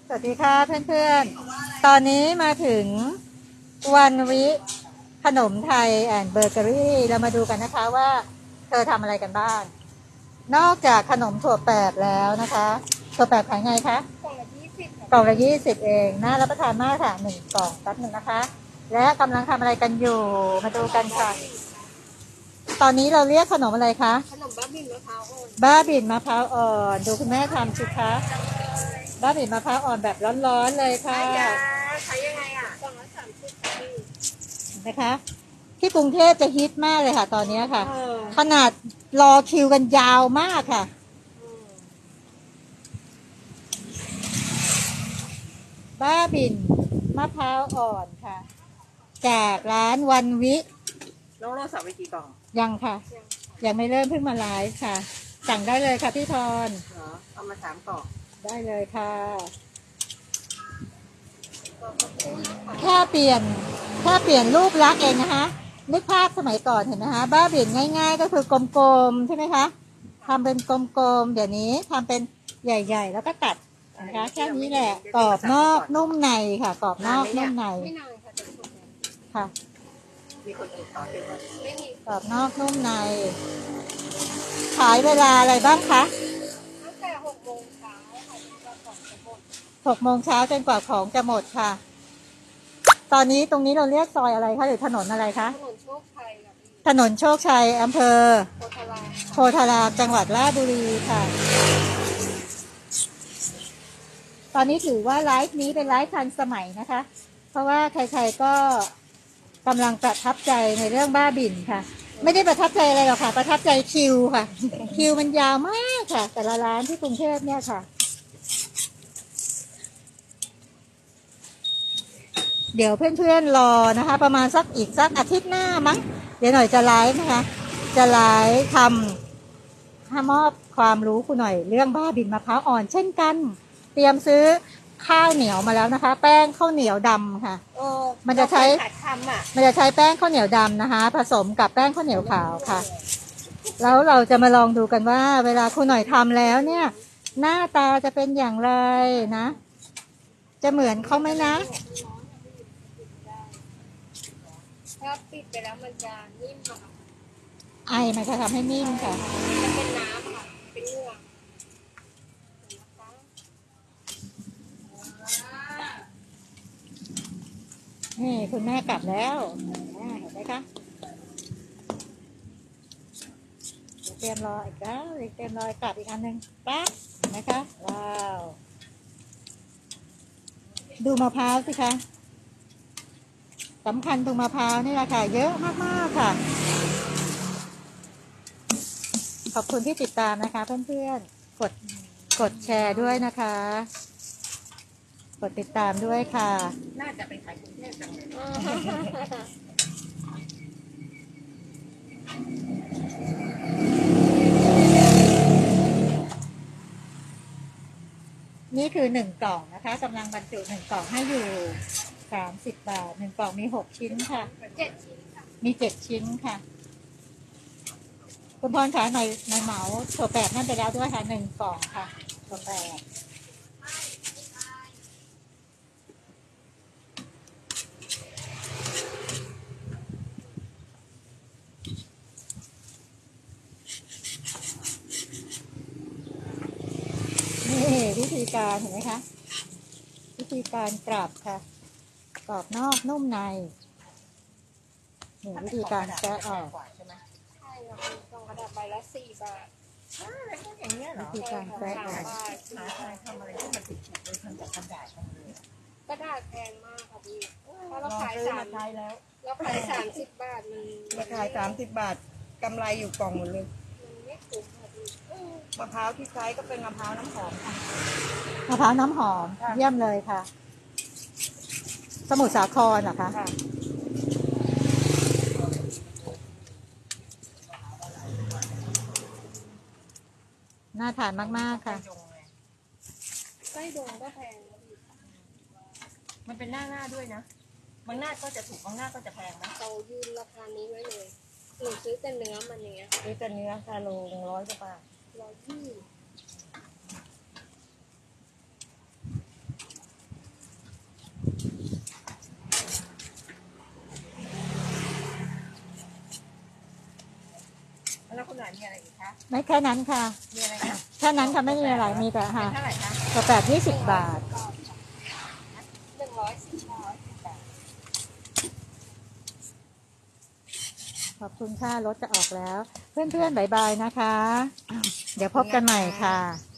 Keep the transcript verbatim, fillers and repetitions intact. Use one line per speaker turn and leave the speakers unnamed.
สวัสดีค่ะเพื่อนๆ ตอนนี้มาถึงวันวิขนมไทยแอนด์เบเกอรี่เรามาดูกันนะคะว่าเธอทำอะไรกันบ้าง นอกจากขนมถั่วแปบแล้วนะคะถั่วแปบขายไงคะ
กล่องละยี่สิบ
กล่องละยี่สิบเองน่ารับประทานมากค่ะหนึ่งกล่องแป๊บหนึ่งนะคะ และกำลังทำอะไรกันอยู่มาดูกันค่ะ ตอนนี้เราเรียกขนมอะไรคะ
ขนมบ้าบินมะพร้าวอ่อน
บ้าบิ่นมะพร้าวอ่อนดูคุณแม่ทำสิคะบ้าบิ่นมะพร้าวอ่อนแบบร้อนๆเลยค่ะ
ใช้ยังไงอ่ะกล่องละสามสิบ
นะคะที่กรุงเทพจะฮิตมากเลยค่ะ ตอนนี้ค่ะ ขนาดรอคิวกันยาวมากค่ะ บ้าบิ่นมะพร้าวอ่อนค่ะจากร้านวันวิ
น้องโรสั่งไปกี่กล่อง
ยังค่ะ ยังไม่เริ่มเพิ่งมาไลฟ์ค่ะ สั่งได้เลยค่ะพี่ทอน
เหรอเอามาสามกล่อง
ได้เลยค่ะแค่เปลี่ยนแค่เปลี่ยนรูปลักษณ์เองนะคะนึกภาพสมัยก่อนเห็นไหมคะบ้าบิ่นง่ายๆก็คือกลมๆใช่ไหมคะทำเป็นกลมๆเดี๋ยวนี้ทำเป็นใหญ่ๆแล้วก็ตัดนะคะแค่นี้แหละกรอบนอกนุ่มในค่ะกรอบนอกนุ่มใน
ไม่นานค่ะจะหมด
ค่ะ
มีคนอื่นต่อเป็นไม่มี
กรอบนอกนุ่มในขายเวลาอะไรบ้างคะ
ตั้งแต่หกโมงเช้าค่ะจนกว่าของจะหมด
หกโมงเช้าจนกว่าของจะหมดค่ะตอนนี้ตรงนี้เราเรียกซอยอะไรคะหรือถนนอะไรคะ
ถนนโชคชัยค่ะ
ถนนโชคชัยอำเภอ
โพธาราม
โพธารามจังหวัดราชบุรีค่ะตอนนี้ถือว่าไลฟ์นี้เป็นไลฟ์ทันสมัยนะคะเพราะว่าใครๆก็กำลังประทับใจในเรื่องบ้าบิ่นค่ะไม่ได้ประทับใจอะไรหรอกค่ะประทับใจคิวค่ะคิวมันยาวมากค่ะแต่ละร้านที่กรุงเทพเนี่ยค่ะเดี๋ยวเพื่อนๆรอนะคะประมาณสักอีกสักอาทิตย์หน้ามั้งเดี๋ยวหน่อยจะไลฟ์นะคะจะไลฟ์ทำให้มอบความรู้คุณหน่อยเรื่องบ้าบิ่นมะพร้าวอ่อนเช่นกันเตรียมซื้อข้าวเหนียวมาแล้วนะคะแป้งข้าวเหนียวดำค่ะมันจะใช้มันจะใช้แป้งข้าวเหนียวดำนะคะผสมกับแป้งข้าวเหนียวขาวค่ะแล้วเราจะมาลองดูกันว่าเวลาคุณหน่อยทำแล้วเนี่ยหน้าตาจะเป็นอย่างไรนะจะเหมือนเขาไหมนะ
ถ้าปิดไปแล้วมันจะนิ่มค่ะ
ไอมันจะทำให้นิ่มค่ะ
จะเป็นน้ำค่ะเป็นเนื้อ
นี่คุณแม่กลับแล้วเห็นไหมคะเตรียมรออีกแล้วเตรียมรอกลับอีกอันหนึ่งปั๊บเห็นไหมคะว้าวดูมะพร้าวสิคะสำคัญตรงมะพร้าวนี่แหละค่ะเยอะมากๆค่ะขอบคุณที่ติดตามนะคะเพื่อนๆกดกดแชร์ด้วยนะคะกดติดตามด้วยค่ะ
น่าจะไปขายกรุงเทพจังเลย
นี่คือหนึ่งกล่องนะคะกำลังบรรจุหนึ่งกล่องให้อยู่สามสิบบาทหนึ่งกล่องมีหกชิ้นค่ะ
เจ็ดชิ้น
มีเจ็ดชิ้นค่ะคุณพรคะหน่อยหน่อยเหมาถั่วแปบนั่นไปแล้วด้วยค่ะหนึ่งกล่องค่ะถั่วแปบนี่วิธีการเห็นไหมคะวิธีการกรอบค่ะกรอบนอกนุ่มในนี่วิธีการแกะออก
ใช่ไหมใช่เราเป็นกล่องกระดาษใบละสี่บาท
อ่าแล้วก็อย่างเงี้ยเหรอวิธีการแกะออก
หาใครทำอะไรที่มันติดๆเลยทำจากกระดาษกระดาษแพงมากค่ะพี่ถ้าเราขายสาม
แล้ว
เราขายสามสิบบาทมัน
มาขายสามสิบบาทกำไรอยู่กล่องหมดเลย
มันไม่คุ้มค่ะพี่
มะพร้าวที่ใช้ก็เป็นมะพร้าวน้ำหอมค่ะ
มะพร้าวน้ำหอมเยี่ยมเลยค่ะสมุทรสาครเหรอคะน่าทานมากๆค่ะ
ไส้ดงก็แพง
มันเป็นหน้าหน้าด้วยนะบางหน้าก็จะถูกบางหน้าก็จะแพงนะ
เรายืนราคานี้ไว้เลยหนูซื้อแต่เนื้อมันอย่างเงี้ย
ซื้อแต่เนื้อคาโลร้อยกว่าบาท
ร้อยยี่
แล้วคุณหลานมีอะไรอีกคะ
ไม่แค่นั้นค่ะ
มีอะไรคะ
แค่นั้นค่ะไม่มีอะไรมีแต่
เป็
ค่ะ
นเท่าไหร่คะ
กาแฟยี่สิบบาท
หนึ่งร้อยสิบบาท
ขอบคุณค่ะรถจะออกแล้ว เพื่อนๆบายบายนะคะ เดี๋ยวพบกันใหม่ค่ะ